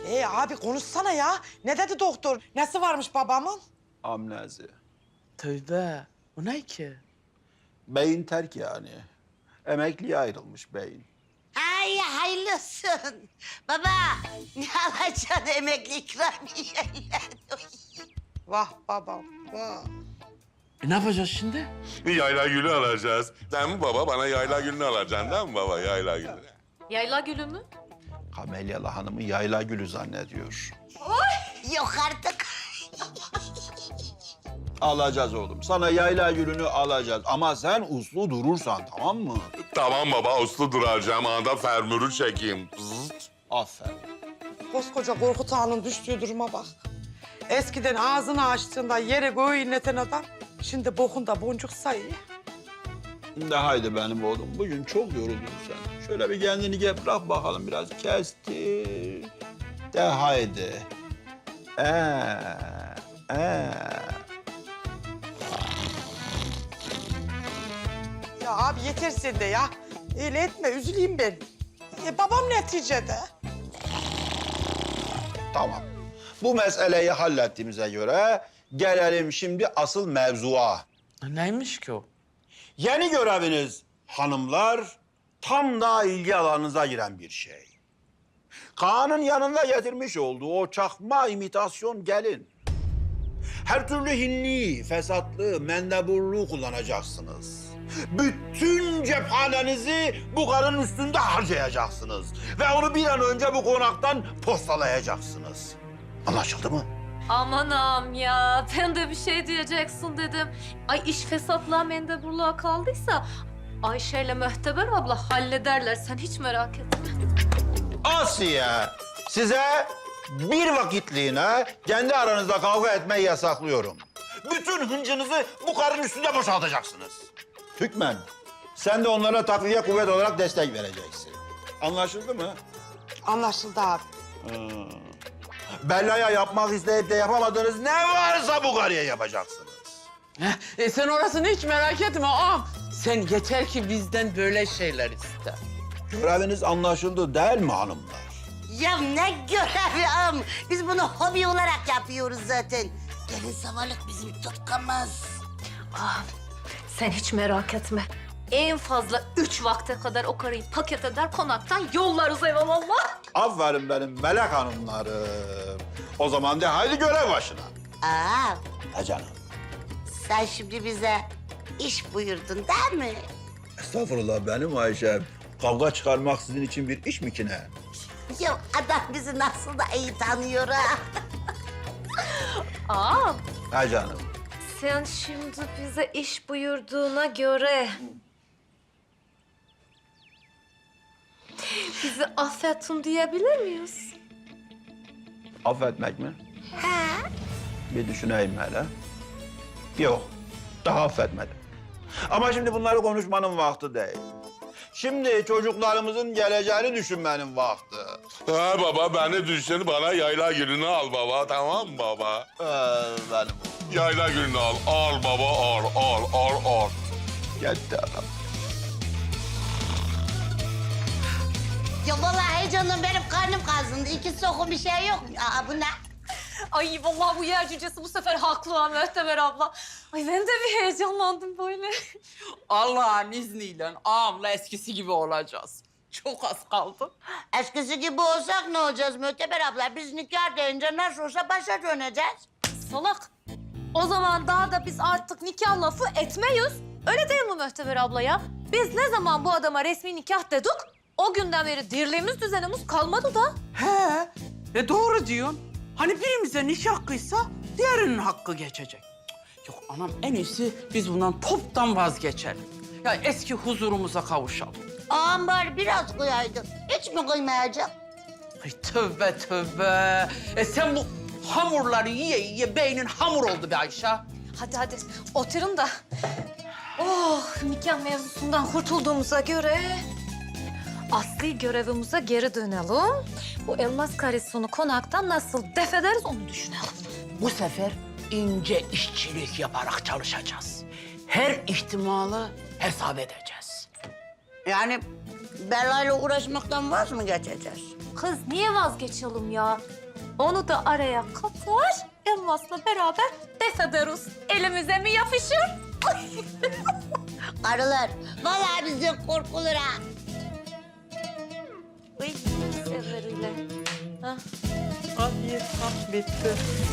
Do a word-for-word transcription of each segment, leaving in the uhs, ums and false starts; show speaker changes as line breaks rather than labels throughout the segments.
Ee abi konuşsana ya. Ne dedi doktor? Nesi varmış babamın?
Amnezi.
Tövbe. O ne ki?
Beyin terk yani. Emekliye ayrılmış beyin.
Ay hayırlı olsun. Baba ne alacaksın emekli ikramiyeyle?
Vah babam, vah.
E ne yapacağız şimdi?
Bir yayla gülü alacağız. Değil mi baba? Bana yayla gülünü alacaksın değil mi baba? Yayla gülü.
Yayla gülü mü?
Kamelyalı hanımı yayla gülü zannediyor.
Yok artık.
Alacağız oğlum. Sana yayla gülünü alacağız. Ama sen uslu durursan, tamam mı?
Tamam baba, uslu duracağım. Anda fermürü çekeyim. Zıt.
Aferin.
Koskoca Korkut Ağa'nın düştüğü duruma bak. Eskiden ağzını açtığında yere göğü inleten adam... ...şimdi bokunda boncuk sayıyor.
De haydi benim oğlum. Bugün çok yoruldun sen. Şöyle bir kendini gel bırak bakalım biraz. Kestir. De haydi. Ee, ee.
Ya abi yeter sen de ya. Öyle etme, üzüleyim ben. E, babam neticede.
Tamam. Bu meseleyi hallettiğimize göre gelelim şimdi asıl mevzuya.
Neymiş ki o?
Yeni göreviniz hanımlar tam da ilgi alanınıza giren bir şey. Kaan'ın yanında getirmiş olduğu o çakma imitasyon gelin. Her türlü hinli, fesatlı, mendeburluğu kullanacaksınız. Bütün cephanenizi bu karın üstünde harcayacaksınız. Ve onu bir an önce bu konaktan postalayacaksınız. Anlaşıldı mı?
Aman ağam ya, ben de bir şey diyeceksin dedim. Ay iş fesatlığa mendeburluğa kaldıysa Ayşe'yle Möhteber abla hallederler. Sen hiç merak etme.
Asiye, size bir vakitliğine kendi aranızda kavga etmeyi yasaklıyorum. Bütün hıncınızı bu karın üstünde boşaltacaksınız. Hükmen, sen de onlara takviye kuvvet olarak destek vereceksin. Anlaşıldı mı?
Anlaşıldı abi.
Hmm. Bella'ya yapmak isteyip de yapamadığınız ne varsa bu karıya yapacaksınız.
Heh, e sen orasını hiç merak etme ağam. Sen yeter ki bizden böyle şeyler iste.
Göreviniz anlaşıldı değil mi hanımlar?
Ya ne görevi am. Biz bunu hobi olarak yapıyoruz zaten. Gelin savarlık bizim tutkamız.
Ağam, sen hiç merak etme. En fazla üç vakte kadar o karıyı paket eder konaktan yollarız eyvallah.
Aferin benim melek hanımlarım. O zaman de haydi görev başına.
Aa,
Ha canım.
sen şimdi bize iş buyurdun değil mi?
Estağfurullah benim Ayşem. Kavga çıkarmak sizin için bir iş mi ki ne?
Ya adam bizi nasıl da iyi tanıyor ha.
Ağam,
Ha canım.
sen şimdi bize iş buyurduğuna göre... bizi affettin diyebilir miyiz?
Affetmek mi? Bir düşüneyim hele. Yok, daha affetmedim. Ama şimdi bunları konuşmanın vakti değil. Şimdi çocuklarımızın geleceğini düşünmenin vakti.
Ha baba, beni düşün, bana yayla gülünü al baba. Tamam mı baba?
Ee, benim
Yayla gülünü al. Al baba, al, al, al, al.
gitti adam.
Ya vallahi canım benim karnım kazındı. İki sokum bir şey yok. Aa, bu ne?
Ay vallahi bu yer cücesi bu sefer haklı ha Möhteber abla. Ay ben de bir heyecanlandım böyle.
Allah'ın izniyle ağamla eskisi gibi olacağız. Çok az kaldı.
Eskisi gibi olsak ne olacağız Möteber abla? Biz nikah deyince nasıl olsa başa döneceğiz.
Salak. O zaman daha da biz artık nikah lafı etmeyiz. Öyle değil mi Möhteber abla ya? Biz ne zaman bu adama resmi nikah dedik, o günden beri dirliğimiz düzenimiz kalmadı da.
He, e doğru diyorsun. Hani birimize nikah kıysa diğerinin hakkı geçecek. Cık, Yok anam en iyisi biz bundan toptan vazgeçelim. Ya eski huzurumuza kavuşalım.
Ağam bari biraz koyaydın. Hiç mi koymayacak?
Ay tövbe tövbe. E sen bu hamurları yiye yiye beynin hamur oldu be Ayşe.
Hadi hadi oturun da. Oh nikah mevzusundan kurtulduğumuza göre... asli görevimize geri dönelim. Bu elmas karisonu konaktan nasıl def ederiz onu düşünelim.
Bu sefer ince işçilik yaparak çalışacağız. Her ihtimali hesap edeceğiz.
Yani Bella'yla uğraşmaktan vaz mı geçeceğiz?
Kız niye vazgeçelim ya? Onu da araya katar, Elmas'la beraber def ederiz. Elimize mi yapışır?
Karılar, vallahi bizden korkulur ha.
Uy, severiyle. Ha.
Hadi, ha, bitti.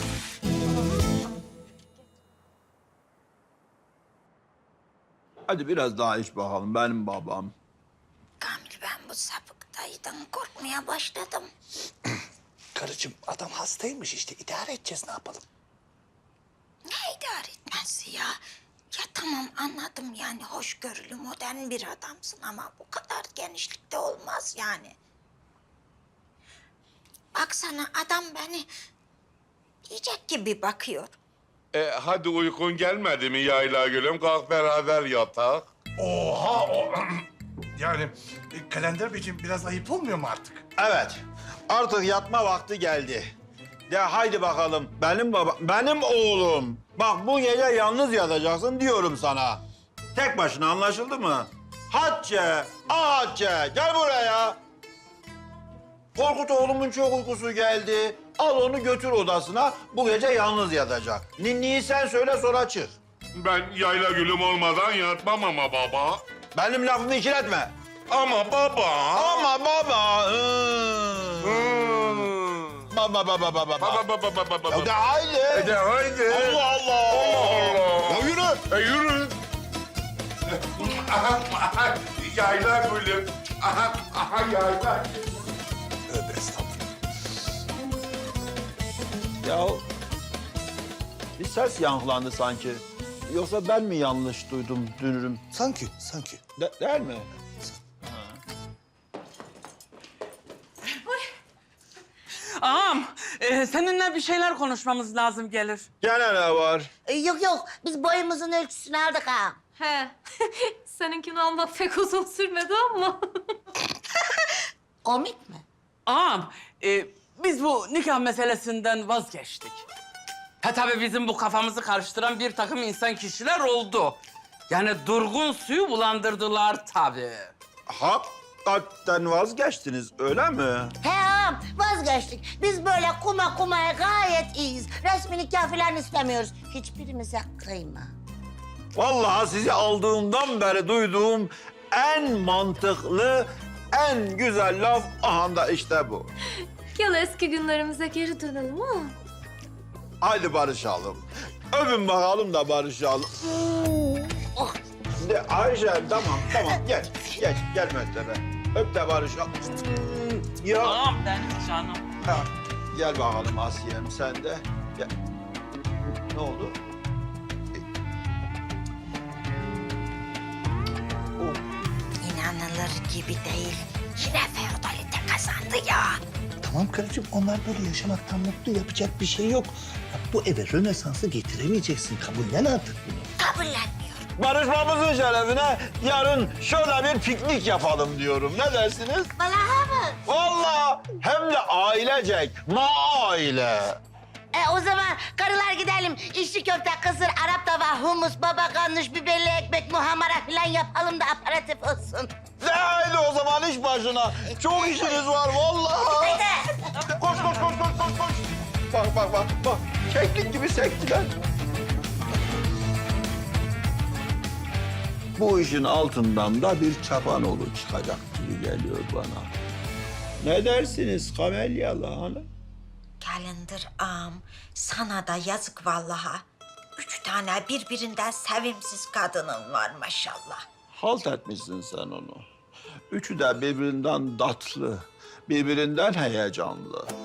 Hadi biraz daha iç bakalım benim babam.
Kamil, ben bu sapık dayıdan korkmaya başladım.
Karıcığım adam hastaymış işte idare edeceğiz ne yapalım?
Ne idare etmesi ya? Ya tamam anladım yani hoşgörülü modern bir adamsın ama bu kadar genişlikte olmaz yani. Baksana adam beni yiyecek gibi bakıyor.
E, hadi uykun gelmedi mi Yayla Gül'üm? Kalk beraber yatak.
Oha o... yani e, Kalender Beyciğim biraz ayıp olmuyor mu artık?
Evet, artık yatma vakti geldi. De haydi bakalım, benim baba, benim oğlum. Bak bu gece yalnız yatacaksın diyorum sana. Tek başına anlaşıldı mı? Hatice, ah Hatice, gel buraya. Korkut oğlumun çok uykusu geldi. Al onu götür odasına, bu gece yalnız yatacak. Ninniyi sen söyle sonra çık.
Ben Yayla Gül'üm olmadan yatmam ama baba.
Benim lafımı ikiletme.
Ama baba.
Ama baba. ıı.
Hmm.
Baba baba baba baba.
Baba baba baba baba.
Ya de haydi.
E de haydi.
Allah Allah.
Allah Allah.
Ya yürü.
E yürü. Aha, aha, Yayla Gül'üm. Aha, aha Yayla Gül'üm.
Tövbe estağfurullah.
Ya bir ses yankılandı sanki. Yoksa ben mi yanlış duydum dünürüm?
Sanki, sanki.
De- değil mi?
Ağam, e, seninle bir şeyler konuşmamız lazım gelir.
Gene ne var?
Ee, yok yok biz boyumuzun ölçüsünü aldık ha.
He. Seninkini almak pek uzun sürmedi ama.
Komik mi?
Ağam, e, biz bu nikah meselesinden vazgeçtik. Ha tabii bizim bu kafamızı karıştıran bir takım insan kişiler oldu. Yani durgun suyu bulandırdılar tabii.
Hakikaten vazgeçtiniz öyle mi?
He ağam vazgeçtik. Biz böyle kuma kumaya gayet iyiyiz. Resmi nikah falan istemiyoruz. Hiçbirimize kıyma.
Vallahi sizi aldığımdan beri duyduğum en mantıklı, en güzel laf aha da işte bu.
Gel eski günlerimize geri dönelim ha.
Haydi barışalım. Öpün bakalım da barışalım.
Oh.
De Ayşe tamam tamam geç geç gel Möhtebe. Öp de barışalım. Ya.
Ağam benim canım.
Ha, gel bakalım Asiye'm sen de. Gel. Ne oldu? E- Oh.
İnanılır gibi değil. Yine feodalite kazandı ya.
Tamam karıcığım onlar böyle yaşamaktan mutlu yapacak bir şey yok. Ya, bu eve Rönesans'ı getiremeyeceksin. Kabullen artık bunu.
Kabullenmiyorum.
Barışmamızın şerefine yarın şöyle bir piknik yapalım diyorum. Ne dersiniz?
Vallahi mı?
Vallahi hem de ailecek, ma aile.
E o zaman karılar gidelim. İçli köfte, kısır, Arap tava, humus, baba ganoush, biberli ekmek, muhammara falan yapalım da aperatif olsun.
De haydi o zaman iş başına. Çok işiniz var vallahi.
Haydi.
Koş koş koş koş koş koş. Bak bak bak bak. Keklik gibi sektiler. Bu işin altından da bir çapanoğlu çıkacak gibi geliyor bana. Ne dersiniz Kamelyalı Hanım?
Kalender ağam, sana da yazık vallaha. Üç tane birbirinden sevimsiz kadının var maşallah.
Halt etmişsin sen onu. Üçü de birbirinden tatlı, birbirinden heyecanlı.